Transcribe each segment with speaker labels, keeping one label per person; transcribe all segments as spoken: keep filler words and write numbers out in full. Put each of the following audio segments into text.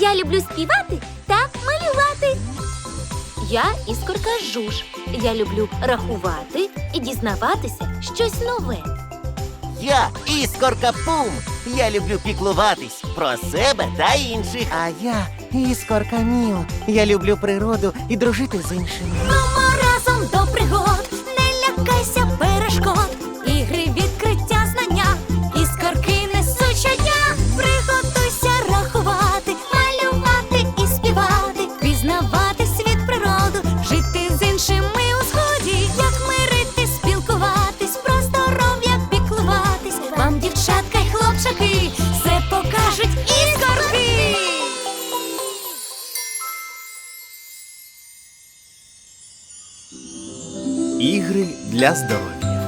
Speaker 1: Я люблю співати та малювати. Я іскорка Жуж. Я люблю рахувати і дізнаватися щось нове.
Speaker 2: Я іскорка Пум. Я люблю піклуватись про себе та інших.
Speaker 3: А я іскорка Міо. Я люблю природу і дружити з іншими.
Speaker 1: Мамо, разом до пригод, не лякайся перешкод. Ігри, відкриття, знання, іскорки несуть щодня. Приготуйся рахувати, малювати і співати, пізнавати світ, природу, жити з іншими у згоді. Як мирити, спілкуватись, про здоров'я піклуватись. Вам, дівчатка й хлопчаки, все покажуть іскорки.
Speaker 4: Ігри для здоров'я.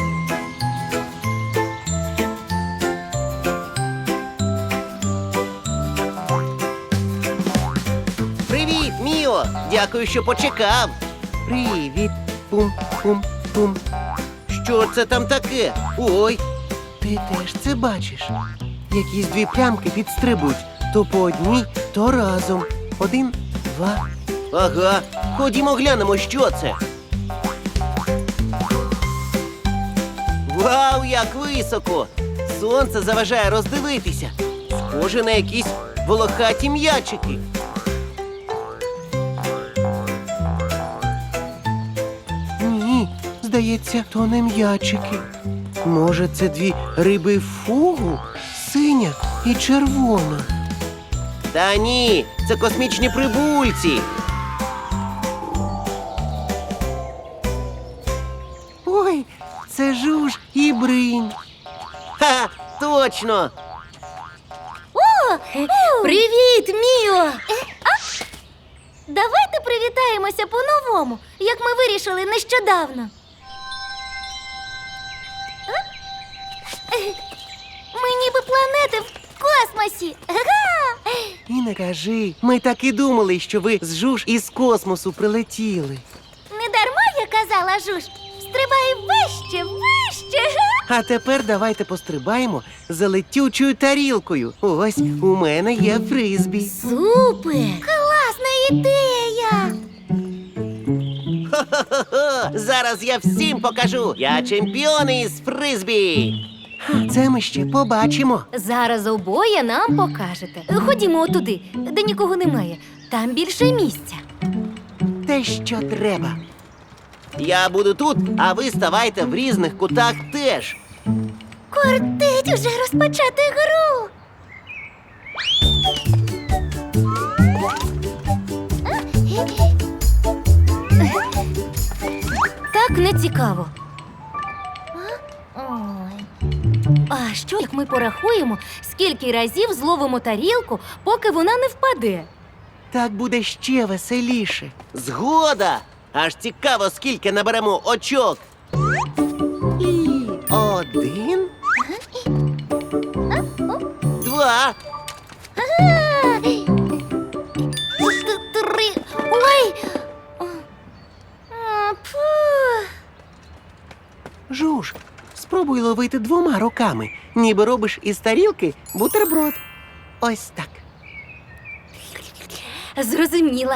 Speaker 2: Привіт, Міо! Дякую, що почекав.
Speaker 3: Привіт, Пум-пум-пум.
Speaker 2: Що це там таке? Ой,
Speaker 3: Ти теж це бачиш? Якісь дві плямки підстрибують. То по одній, то разом. Один, два.
Speaker 2: ага. Ходімо глянемо, що це. Вау, як високо! Сонце заважає роздивитися. Схоже на якісь волохаті м'ячики.
Speaker 3: Ні, здається, то не м'ячики. Може, це дві риби фугу? Синя і червона.
Speaker 2: Та ні, це космічні прибульці.
Speaker 3: Ой, це Жуж і Бринь.
Speaker 2: Ха, точно!
Speaker 1: Привіт, Міо! Давайте привітаємося по-новому, як ми вирішили нещодавно. Ми ніби планети в космосі. Га!
Speaker 3: І не кажи, ми так і думали, що ви з Жуж із космосу прилетіли.
Speaker 1: Не дарма я казала, Жуж, стрибай вище, вище.
Speaker 3: А тепер давайте пострибаємо за летючою тарілкою. Ось у мене є фризбі.
Speaker 1: Супер! Класна ідея!
Speaker 2: Хо-хо-хо! Зараз я всім покажу. Я чемпіон із фризбі.
Speaker 3: Це ми ще побачимо.
Speaker 1: Зараз обоє нам покажете. Ходімо туди, де нікого немає. Там більше місця.
Speaker 3: Те, що треба.
Speaker 2: Я буду тут, а ви ставайте в різних кутах теж.
Speaker 1: Кортить уже розпочати гру. Так не цікаво. Ой. А що, як ми порахуємо, скільки разів зловимо тарілку, поки вона не впаде?
Speaker 3: Так буде ще веселіше.
Speaker 2: Згода! Аж цікаво, скільки наберемо очок.
Speaker 3: І один.
Speaker 2: Два.
Speaker 1: Три. Ой! А, фу.
Speaker 3: Жуж, спробуй ловити двома руками, ніби робиш із тарілки бутерброд. Ось так.
Speaker 1: Зрозуміла.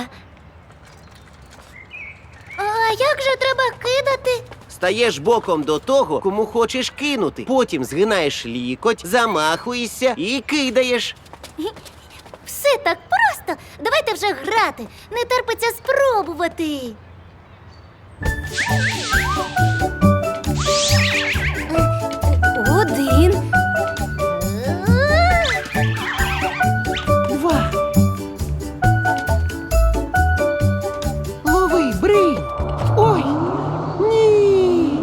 Speaker 1: А як же треба кидати?
Speaker 2: Стаєш боком до того, кому хочеш кинути. Потім згинаєш лікоть, замахуєшся і кидаєш.
Speaker 1: Все так просто. Давайте вже грати. Не терпиться спробувати. Один.
Speaker 3: Два. Лови, Бринь. Ой, ні.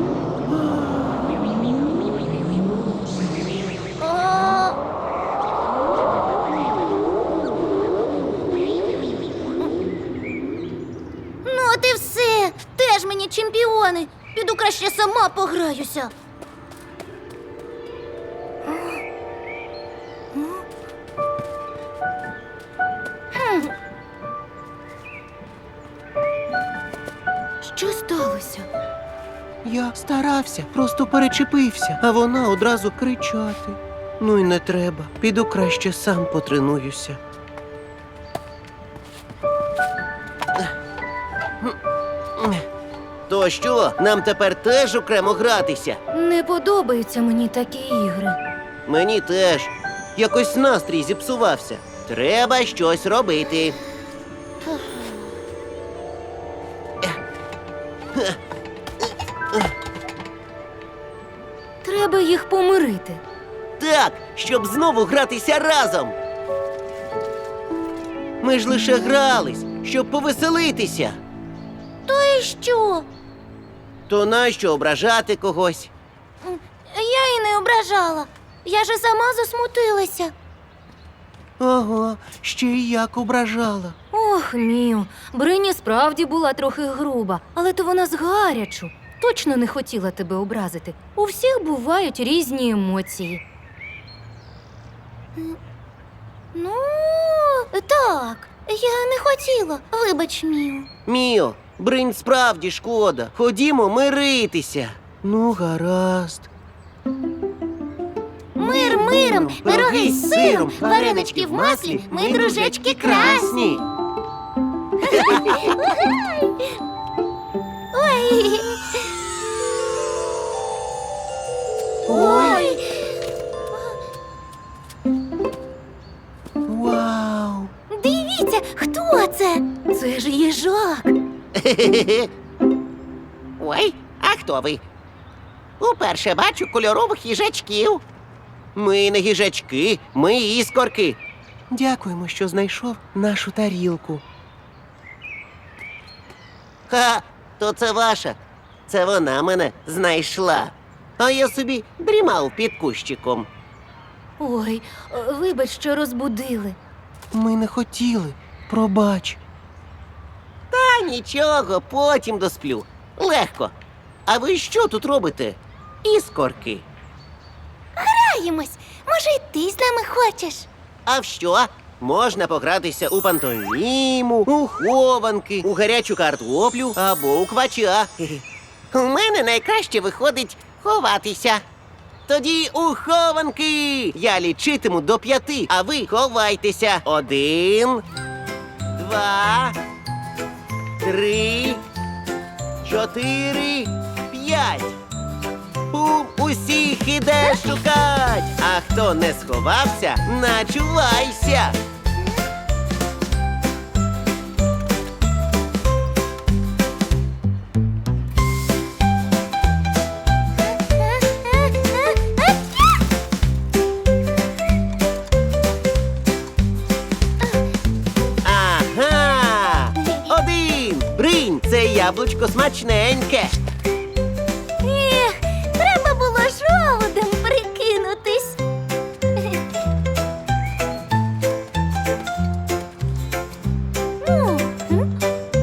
Speaker 1: А. Ну, от і все. Теж мені чемпіони. Піду краще сама пограюся. Що сталося?
Speaker 3: Я старався, просто перечепився, а вона одразу кричати. Ну й не треба. Піду краще сам потренуюся.
Speaker 2: То що, нам тепер теж окремо гратися?
Speaker 1: Не подобаються мені такі ігри.
Speaker 2: Мені теж. Якось настрій зіпсувався. Треба щось робити.
Speaker 1: Треба їх помирити.
Speaker 2: Так, щоб знову гратися разом. Ми ж лише грались, щоб повеселитися.
Speaker 1: То і що?
Speaker 2: То нащо ображати когось?
Speaker 1: Я і не ображала. Я же сама засмутилася.
Speaker 3: Ага, ще й як ображала.
Speaker 1: Ох, Міу, Брині справді була трохи груба, але то вона з гарячу. Точно не хотіла тебе образити. У всіх бувають різні емоції. Ну, так, я не хотіла. Вибач, Міу.
Speaker 2: Міо, Бринь справді шкода. Ходімо миритися.
Speaker 3: Ну, гаразд.
Speaker 1: Мир миром, пироги з сиром, варенички в маслі, ми дружечки красні. Ой. Ой.
Speaker 3: Вау!
Speaker 1: Дивіться, хто це? Це ж їжак.
Speaker 2: Ой, а хто ви? Уперше бачу кольорових їжачків. Ми не їжачки, ми іскорки.
Speaker 3: Дякуємо, що знайшов нашу тарілку.
Speaker 2: Ха, то це ваша. Це вона мене знайшла. А я собі дрімав під кущиком.
Speaker 1: Ой, вибач, що розбудили.
Speaker 3: Ми не хотіли. Пробач.
Speaker 2: Та нічого, потім досплю. Легко. А ви що тут робите? Іскорки.
Speaker 1: Граємось. Може, й ти з нами хочеш?
Speaker 2: А в що? Можна погратися у пантоміму, у хованки, у гарячу картоплю або у квача. У мене найкраще виходить ховатися. Тоді у хованки. Я лічитиму до п'яти, а ви ховайтеся. Один, два, три, чотири, п'ять. Бум, усіх іде шукать. А хто не сховався, начувайся. Ага! Один! Бринь, це яблучко смачненьке.
Speaker 1: Ех, треба було жолудем прикинутись. Ну, м?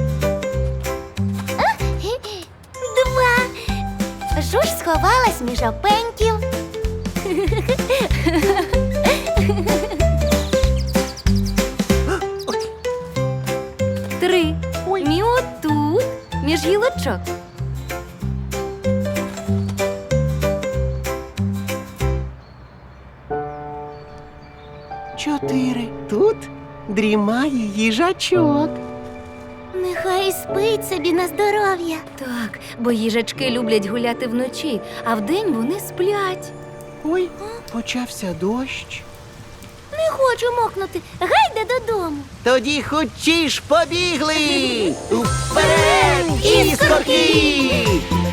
Speaker 1: А, Два. Жуж сховалась між опеньків. Три. Міо тут, між гілочок.
Speaker 3: Чотири. Тут дрімає їжачок.
Speaker 1: Нехай спить собі на здоров'я. Так, бо їжачки люблять гуляти вночі, а вдень вони сплять.
Speaker 3: Ой, почався дощ.
Speaker 1: Не хочу мокнути. Гайде додому.
Speaker 2: Тоді хочеш побігли! Вперед, іскорки!